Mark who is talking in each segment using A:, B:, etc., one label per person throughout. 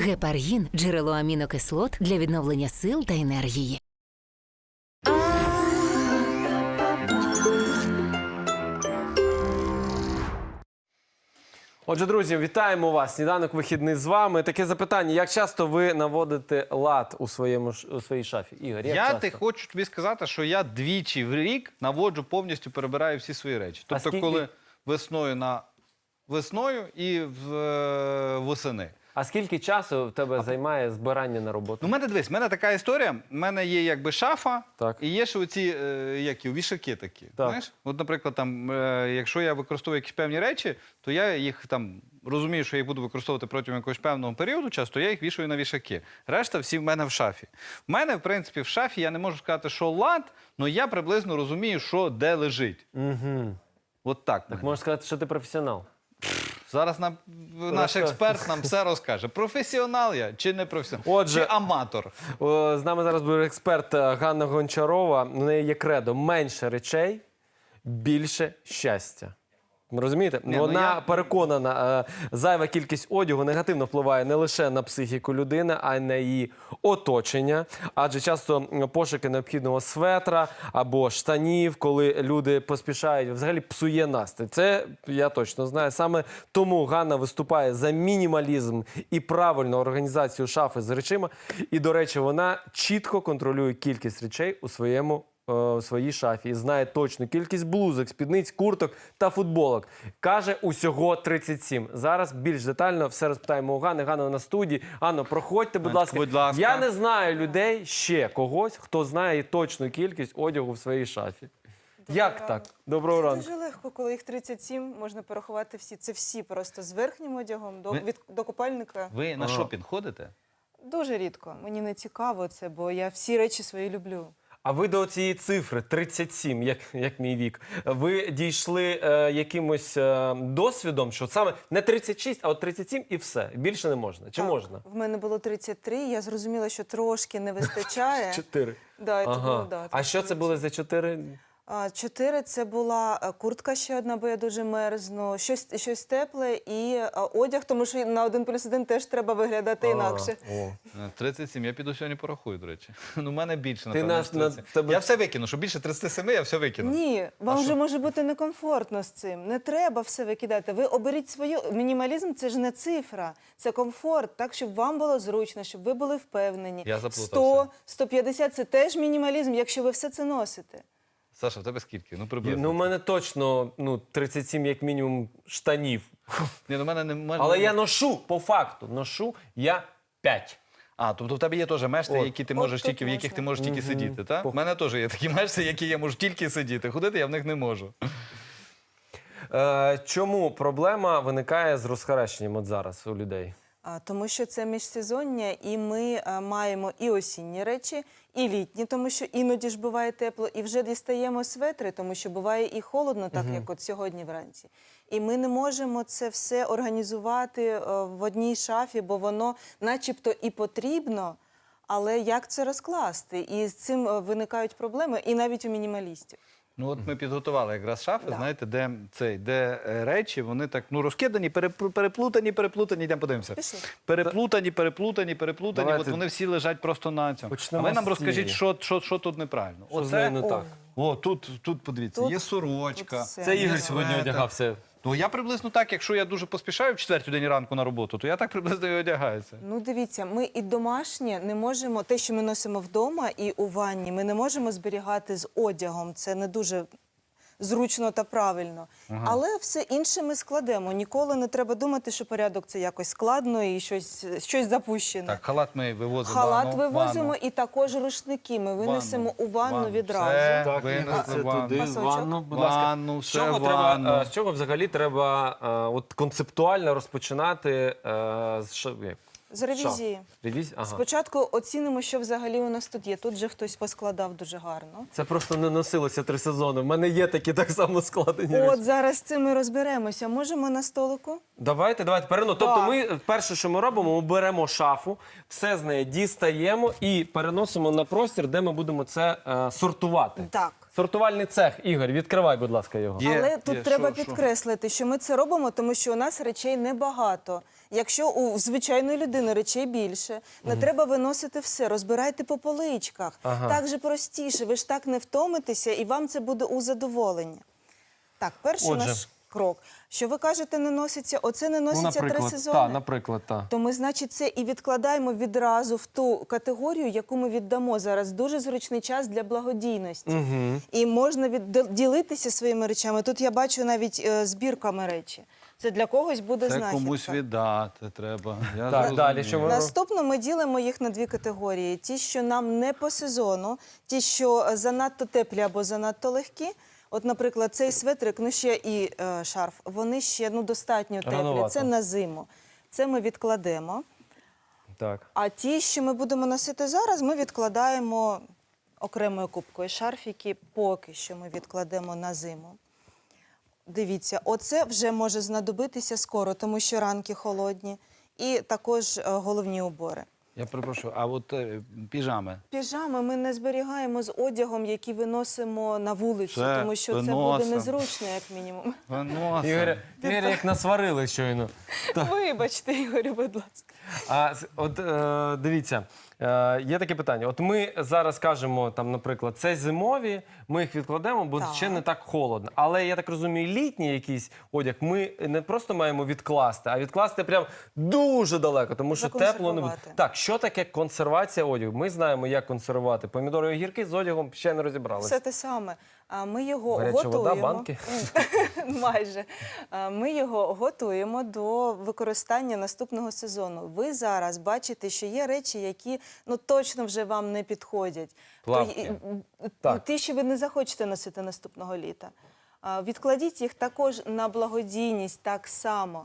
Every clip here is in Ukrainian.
A: Гепаргін – джерело амінокислот для відновлення сил та енергії.
B: Отже, друзі, вітаємо вас. Сніданок вихідний з вами. Таке запитання: як часто ви наводите лад у своїй шафі? Ігор, як часто?
C: Хочу тобі сказати, що я двічі в рік наводжу, повністю перебираю всі свої речі. Тобто, коли весною і восени.
B: А скільки часу в тебе займає збирання на роботу?
C: Ну, в мене така історія. У мене є якби шафа,
B: Так.
C: і є ще оці вішаки такі. Знаєш? От, наприклад, там, якщо я використовую якісь певні речі, то я їх там розумію, що я їх буду використовувати протягом якогось певного періоду часу, то я їх вішаю на вішаки. Решта всі в мене в шафі. В мене, в принципі, в шафі я не можу сказати, що лад, але я приблизно розумію, що де лежить.
B: Угу.
C: От так.
B: Так можна сказати, що ти професіонал.
C: Зараз наш експерт нам все розкаже. Професіонал я чи не професіонал? Чи аматор?
B: З нами зараз буде експерт Ганна Гончарова. У неї є кредо: менше речей, більше щастя. Розумієте? Вона переконана, зайва кількість одягу негативно впливає не лише на психіку людини, а й на її оточення. Адже часто пошуки необхідного светра або штанів, коли люди поспішають, взагалі псує настрій. Це я точно знаю. Саме тому Ганна виступає за мінімалізм і правильну організацію шафи з речима. І, до речі, вона чітко контролює кількість речей у своїй шафі і знає точну кількість блузок, спідниць, курток та футболок. Каже, усього 37. Зараз більш детально все розпитаємо у Ганни. Ганна на студії. Анно, проходьте, будь ласка. Я не знаю людей, ще когось, хто знає точну кількість одягу в своїй шафі. Як так? Доброго ранку.
D: Це дуже легко, коли їх 37, можна порахувати всі. Це всі просто з верхнім одягом до купальника.
C: Ви на шопінг ходите?
D: Дуже рідко. Мені не цікаво це, бо я всі речі свої люблю.
B: А ви до цієї цифри 37, як мій вік, ви дійшли якимось досвідом, що саме не 36, а от 37 і все? Більше не можна? Чи
D: Так,
B: можна?
D: В мене було 33, я зрозуміла, що трошки не вистачає.
B: 4.
D: Да,
B: А що це були за 4?
D: 4 – це була куртка ще одна, бо я дуже мерзну, щось тепле і одяг, тому що на 1+1 теж треба виглядати інакше.
C: 37, я піду сьогодні порахую, до речі. Ну, в мене більше,
B: Ти
C: напевно, Я все викину, що більше 37, я все викину.
D: Ні, вам вже може бути некомфортно з цим. Не треба все викидати. Ви оберіть свою. Мінімалізм – це ж не цифра, це комфорт, так, щоб вам було зручно, щоб ви були впевнені.
C: Я заплутався.
D: 100, 150 – це теж мінімалізм, якщо ви все це носите.
C: Саша, в тебе скільки? Ну, приблизно.
B: Ну, у мене точно 37, як мінімум, штанів.
C: Ні, ну,
B: Але я ношу, по факту, я 5.
C: А, тобто в тебе є теж мешти, які ти можеш
D: тут
C: в яких ти можеш тільки сидіти, так?
B: По-
C: У мене теж є такі мешти, які я можу тільки сидіти. Ходити я в них не можу.
B: Чому проблема виникає з розхаращенням от зараз у людей?
D: Тому що це міжсезоння, і ми маємо і осінні речі, і літні, тому що іноді ж буває тепло, і вже дістаємо светри, тому що буває і холодно, так як от сьогодні вранці. І ми не можемо це все організувати в одній шафі, бо воно начебто і потрібно, але як це розкласти? І з цим виникають проблеми, і навіть у мінімалістів.
C: Ну, от ми підготували якраз шафи, знаєте, де речі, вони так, розкидані, переплутані, йдемо подивимося.
D: Пішли.
C: Переплутані,
B: Давайте.
C: от вони всі лежать просто на цьому.
B: Почнемо
C: А ви нам
B: з
C: розкажіть,
B: цієї.
C: що тут неправильно.
B: Що з нею не так?
C: Тут подивіться,
D: Тут-
C: є сорочка.
D: тут все.
B: Це Ігор
C: Є
B: сьогодні
C: светр.
B: одягався.
C: Ну, я приблизно так, якщо я дуже поспішаю в 4-й ранку на роботу, то я так приблизно і одягаюся.
D: Ну, дивіться, ми і домашнє не можемо, те, що ми носимо вдома і у ванні, ми не можемо зберігати з одягом. Це не дуже зручно та правильно. Але все інше ми складемо. Ніколи не треба думати, що порядок – це якось складно і щось запущене.
C: Так, халат ми вивозимо.
D: Халат вивозимо і також рушники ми винесемо у ванну відразу.
C: Все,
B: Так,
C: винесли
B: це
C: ванну.
B: туди, в
D: Пасочок.
B: ванну, будь ласка.
C: Ванну,
B: З
C: все
B: чого
C: ванну.
B: з чого взагалі треба от концептуально розпочинати
D: З ревізії.
B: Ревізія? Ага.
D: Спочатку оцінимо, що взагалі у нас тут є. Тут же хтось поскладав дуже гарно.
B: Це просто не носилося 3 сезони. В мене є такі так само складені
D: От
B: речі.
D: зараз з цим ми розберемося. Можемо на столику?
B: Давайте переносимо. Тобто ми перше, що ми робимо, ми беремо шафу, все з неї дістаємо і переносимо на простір, де ми будемо це сортувати.
D: Так.
B: Сортувальний цех. Ігор, відкривай, будь ласка, його.
D: Але тут треба підкреслити, що ми це робимо, тому що у нас речей небагато. Якщо у звичайної людини речей більше, не треба виносити все, розбирайте по поличках. Так же простіше, ви ж так не втомитеся, і вам це буде у задоволення. Так, перший
B: Отже.
D: наш крок. Що ви кажете, не носиться? Оце не носиться 3 сезони.
B: наприклад, та.
D: То ми, значить, це і відкладаємо відразу в ту категорію, яку ми віддамо зараз. Дуже зручний час для благодійності. І можна ділитися своїми речами. Тут я бачу навіть збірками речі. Це для когось буде
C: Це
D: знахідка.
C: комусь віддати треба. Я
B: Так, далі, що ми
D: Наступно ми ділимо їх на 2 категорії. Ті, що нам не по сезону, ті, що занадто теплі або занадто легкі. От, наприклад, цей светрик, ну ще і шарф, вони ще достатньо теплі.
B: Рановато.
D: Це на зиму. Це ми відкладемо.
B: Так.
D: А ті, що ми будемо носити зараз, ми відкладаємо окремою купкою. Шарфіки поки що ми відкладемо на зиму. Дивіться, оце вже може знадобитися скоро, тому що ранки холодні. І також головні убори.
C: Я перепрошую, а от піжами?
D: Піжами ми не зберігаємо з одягом, який виносимо на вулицю,
C: Це
D: тому що це буде
C: виносимо.
D: незручно, як мінімум.
B: Ігоря, як насварили щойно.
D: Вибачте, Ігорю, будь ласка.
B: Дивіться, є таке питання. От ми зараз кажемо, там, наприклад, це зимові, ми їх відкладемо, бо
D: Так.
B: ще не так холодно. Але я так розумію, літній якийсь одяг ми не просто маємо відкласти, а відкласти прям дуже далеко, тому що тепло не буде.
D: Законсервувати.
B: Так, що таке консервація одягу? Ми знаємо, як консервувати. Помідори і огірки з одягом ще не розібралися.
D: Все те саме. Ми його
B: Гаряча
D: готуємо.
B: вода, банки?
D: Майже. Ми його готуємо до використання наступного сезону. Ви зараз бачите, що є речі, які точно вже вам не підходять.
B: Плавки.
D: То, ті, що ви не захочете носити наступного літа. Відкладіть їх також на благодійність так само.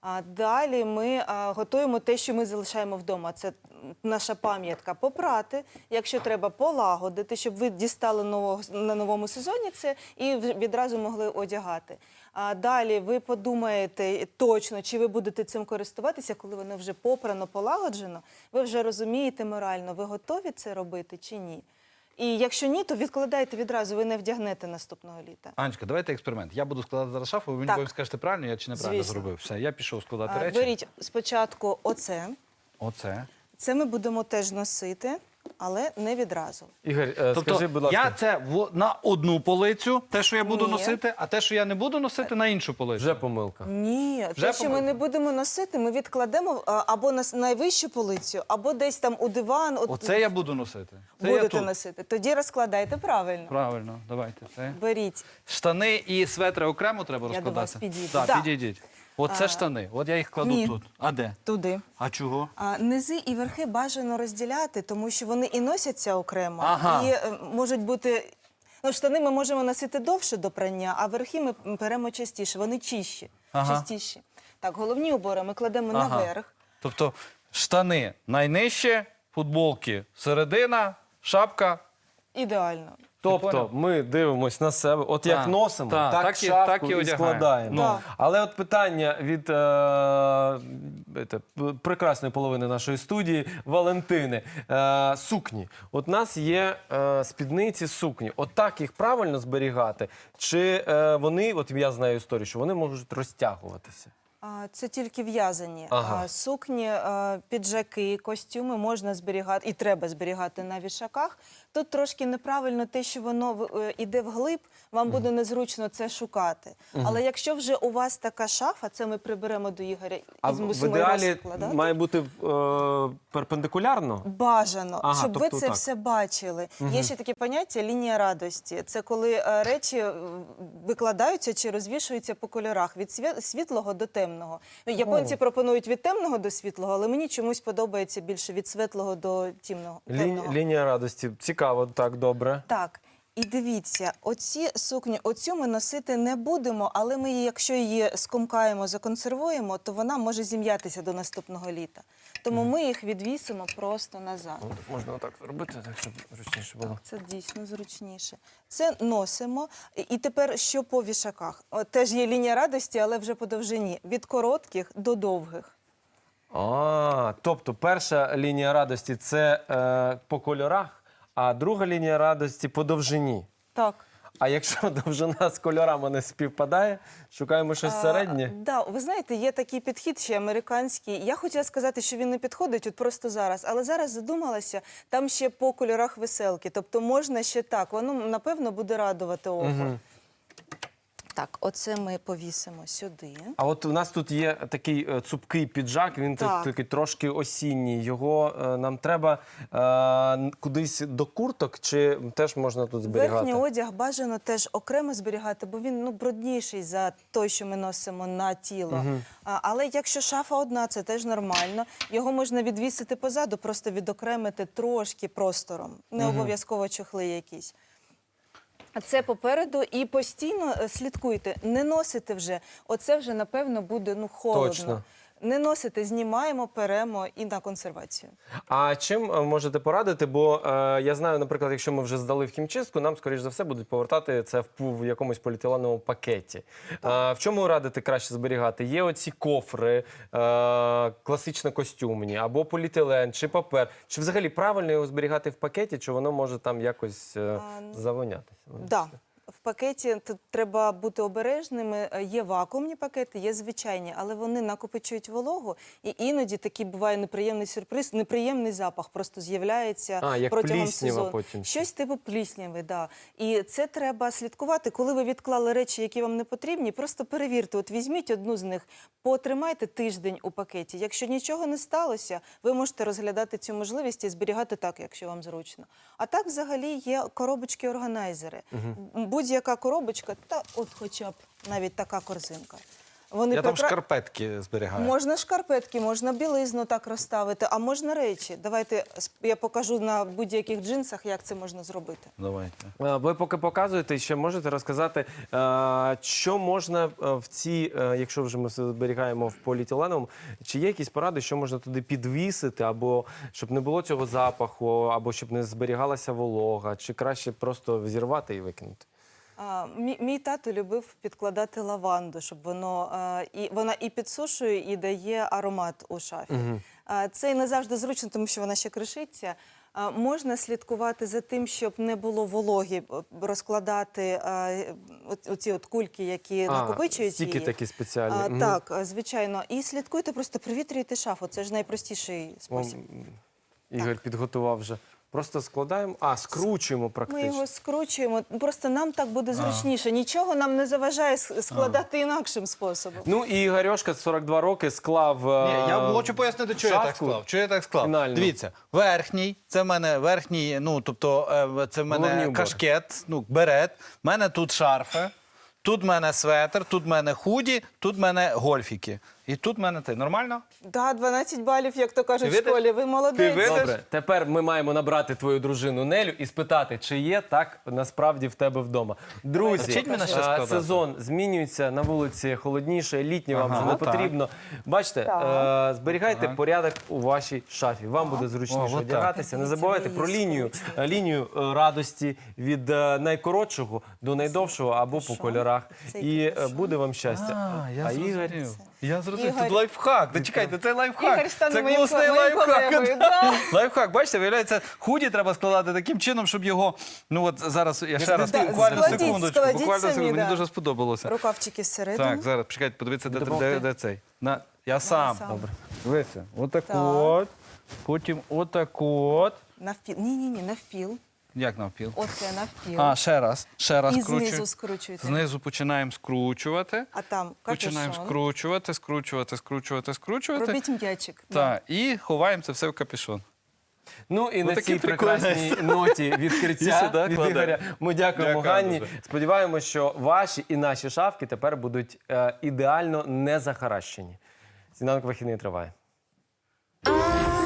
D: Далі ми готуємо те, що ми залишаємо вдома. Це наша пам'ятка. Попрати, якщо треба, полагодити, щоб ви дістали на новому сезоні це і відразу могли одягати. Далі ви подумаєте точно, чи ви будете цим користуватися, коли воно вже попрано, полагоджено. Ви вже розумієте морально, ви готові це робити чи ні. І якщо ні, то відкладайте відразу, ви не вдягнете наступного літа.
C: Анечка, давайте експеримент. Я буду складати зараз шафу, ви мені
D: Так.
C: потім скажете, правильно я чи неправильно
D: Звісно.
C: зробив. Все, я пішов складати речі.
D: Беріть спочатку оце.
C: Оце.
D: Це ми будемо теж носити, але не відразу.
B: Ігор,
C: Тобто
B: скажи, будь ласка.
C: я це на одну полицю, те, що я буду
D: Ні.
C: носити, а те, що я не буду носити, на іншу полицю.
B: Вже помилка.
D: Ні,
C: Вже
D: те, що ми
C: помилка?
D: не будемо носити, ми відкладемо або на найвищу полицю, або десь там у диван.
C: Оце я буду носити. Це я
D: будете
C: тут.
D: носити. Тоді розкладайте правильно.
C: Правильно, давайте. Це.
D: Беріть.
C: Штани і светри окремо треба
D: Я
C: розкладати?
D: до вас підійду.
C: Так,
D: Да.
C: підійдіть. Оце штани. От я їх кладу
D: Ні.
C: тут. А де?
D: Туди.
C: А чого?
D: Низи і верхи бажано розділяти, тому що вони і носяться окремо,
C: Ага.
D: і можуть бути. Штани ми можемо носити довше до прання, а верхи ми беремо частіше. Вони чищі,
C: Ага.
D: частіші. Так, головні убори ми кладемо наверх.
C: Тобто штани найнижче, футболки середина, шапка.
D: Ідеально.
B: Тобто
C: поняв?
B: ми дивимось на себе, от як
C: Так,
B: носимо,
C: так,
B: так,
C: так і-
B: шапку
C: так і
B: і
C: одягаємо.
B: складаємо.
D: Ну.
B: Але от питання від прекрасної половини нашої студії Валентини. Сукні. От у нас є спідниці сукні. От так їх правильно зберігати? Чи вони, от я знаю історію, що вони можуть розтягуватися?
D: Це тільки в'язані.
B: Ага.
D: Сукні, піджаки, костюми можна зберігати і треба зберігати на вішаках. Тут трошки неправильно те, що воно іде вглиб, вам буде незручно це шукати. Але якщо вже у вас така шафа, це ми приберемо до Ігоря і
B: А в
D: змусимо його
B: ідеалі
D: складати.
B: має бути перпендикулярно?
D: Бажано,
B: Ага,
D: щоб
B: тобто
D: ви це
B: так.
D: все бачили. Є ще таке поняття лінія радості. Це коли речі викладаються чи розвішуються по кольорах від світлого до темного. Японці пропонують від темного до світлого, але мені чомусь подобається більше від світлого до темного.
B: Лінія радості. Цікаво, так, добре.
D: Так. І дивіться, оці сукні, оцю ми носити не будемо, але ми її, якщо її скомкаємо, законсервуємо, то вона може зім'ятися до наступного літа. Тому ми їх відвісимо просто назад.
B: От, можна отак зробити, так, щоб зручніше було.
D: Це дійсно зручніше. Це носимо. І тепер що по вішаках? Теж є лінія радості, але вже по довжині. Від коротких до довгих.
B: Тобто перша лінія радості – це по кольорах, а друга лінія радості – по довжині.
D: Так.
B: А якщо довжина з кольорами не співпадає, шукаємо щось середнє?
D: Да, ви знаєте, є такий підхід ще американський. Я хотіла сказати, що він не підходить от просто зараз, але зараз задумалася, там ще по кольорах веселки. Тобто можна ще так, воно, напевно, буде радувати око. Так, оце ми повісимо сюди.
B: А от у нас тут є такий цупкий піджак, він
D: Так.
B: такий трошки осінній. Його нам треба кудись до курток, чи теж можна тут зберігати?
D: Верхній одяг бажано теж окремо зберігати, бо він брудніший за той, що ми носимо на тіло. Але якщо шафа одна, це теж нормально. Його можна відвісити позаду, просто відокремити трошки простором. Не обов'язково чохли якісь. А це попереду і постійно слідкуйте, не носите вже. Оце вже, напевно, буде холодно.
B: Точно.
D: Не носите, знімаємо, перемо і на консервацію.
B: А чим можете порадити? Бо я знаю, наприклад, якщо ми вже здали в хімчистку, нам, скоріш за все, будуть повертати це в якомусь поліетиленовому пакеті. В чому радити краще зберігати? Є оці кофри, класично костюмні, або поліетилен, чи папер. Чи взагалі правильно його зберігати в пакеті, чи воно може там якось завонятися?
D: Да. В пакеті тут треба бути обережними. Є вакуумні пакети, є звичайні, але вони накопичують вологу, і іноді такий буває неприємний сюрприз, неприємний запах просто з'являється
B: як
D: протягом
B: пліснява
D: сезону.
B: потім.
D: Щось типу плісняви, да. І це треба слідкувати. Коли ви відклали речі, які вам не потрібні, просто перевірте. От візьміть одну з них, потримайте тиждень у пакеті. Якщо нічого не сталося, ви можете розглядати цю можливість і зберігати так, якщо вам зручно. А так взагалі є коробочки-органайзери. Будь-яка коробочка, та от хоча б навіть така корзинка. Вони
C: Я там шкарпетки зберігаю.
D: Можна шкарпетки, можна білизну так розставити, а можна речі. Давайте я покажу на будь-яких джинсах, як це можна зробити.
C: Давайте.
B: Ви поки показуєте, ще можете розказати, що можна в ці, якщо вже ми все зберігаємо в поліетиленовому, чи є якісь поради, що можна туди підвісити, або щоб не було цього запаху, або щоб не зберігалася волога, чи краще просто зірвати і викинути?
D: Мій тато любив підкладати лаванду, щоб вона і підсушує, і дає аромат у шафі. Це і не завжди зручно, тому що вона ще кришиться. Можна слідкувати за тим, щоб не було вологи, розкладати оці от кульки, які накопичують
B: стіки
D: її.
B: такі спеціальні.
D: Так, звичайно. І слідкуйте, просто провітрюйте шафу. Це ж найпростіший спосіб.
B: Ігор підготував вже. Просто складаємо, скручуємо
D: Ми
B: практично.
D: його скручуємо, просто нам так буде зручніше. Нічого нам не заважає складати інакшим способом.
B: Ну і Ігорьошка, 42 роки, склав
C: Ні, я хочу пояснити, чого я так
B: шапку.
C: склав. Чого я так склав?
B: Фінально.
C: Дивіться, верхній, це в мене верхній, це в
B: Головний
C: мене
B: убор.
C: кашкет, берет, в мене тут шарфи, тут в мене светр, тут в мене худі, тут в мене гольфіки. І тут в мене нормально?
D: Да, 12 балів, як то кажуть в
C: Ти видиш?
D: школі. Ви молодець.
C: Ти видиш?
B: Добре, тепер ми маємо набрати твою дружину Нелю і спитати, чи є так насправді в тебе вдома. Друзі,
C: Вчіть мене щось складати.
B: сезон змінюється, на вулиці холодніше, літнє вам вже не
C: так.
B: потрібно. Бачите, зберігайте порядок у вашій шафі. Вам буде зручніше
C: отак.
B: одягатися. Не
D: Дивіться,
B: забувайте
D: ви
B: про
D: її
B: лінію радості від найкоротшого до найдовшого або по кольорах.
D: Це
B: І
D: який
B: буде вам щастя.
C: Я
B: Ігор,
C: Я зрозумів.
D: Ігор-
C: Тут лайфхак. Та чекайте, це лайфхак.
D: Ігор стане
C: Це
D: моїм
C: класний
D: моїм
C: лайфхак.
D: колегою. Да.
C: Лайфхак, бачите, виявляється, худі треба складати таким чином, щоб його, зараз я ще раз,
D: Да,
C: буквально
D: складіть,
C: секундочку,
D: складіть
C: буквально
D: самі,
C: секунду, мені
D: да.
C: дуже сподобалося.
D: Рукавчики всередину.
C: Так, зараз, чекайте, подивіться,
B: Допомогти?
C: де цей. Я сам.
D: Добре.
C: Дивися, отак
D: Так.
C: от, потім отак от.
D: Навпіл. Ні, навпіл.
C: Як навпіл?
D: Оце навпіл.
C: Ще раз
D: І
C: скручуємо.
D: знизу скручуйте.
C: Знизу починаємо скручувати.
D: А там
C: Починаємо
D: капюшон.
C: скручувати.
D: Робіть м'ячик.
C: Так, і ховаємо це все в капюшон.
B: Ну і на
C: такий
B: цій
C: прикольний.
B: прекрасній ноті
C: І
B: відкриття
C: сюди
B: від
C: кладемо.
B: Ігоря ми дякуємо
C: Дякую
B: Ганні.
C: дуже.
B: Сподіваємося, що ваші і наші шафки тепер будуть ідеально не захаращені. Сніданок вихідний триває.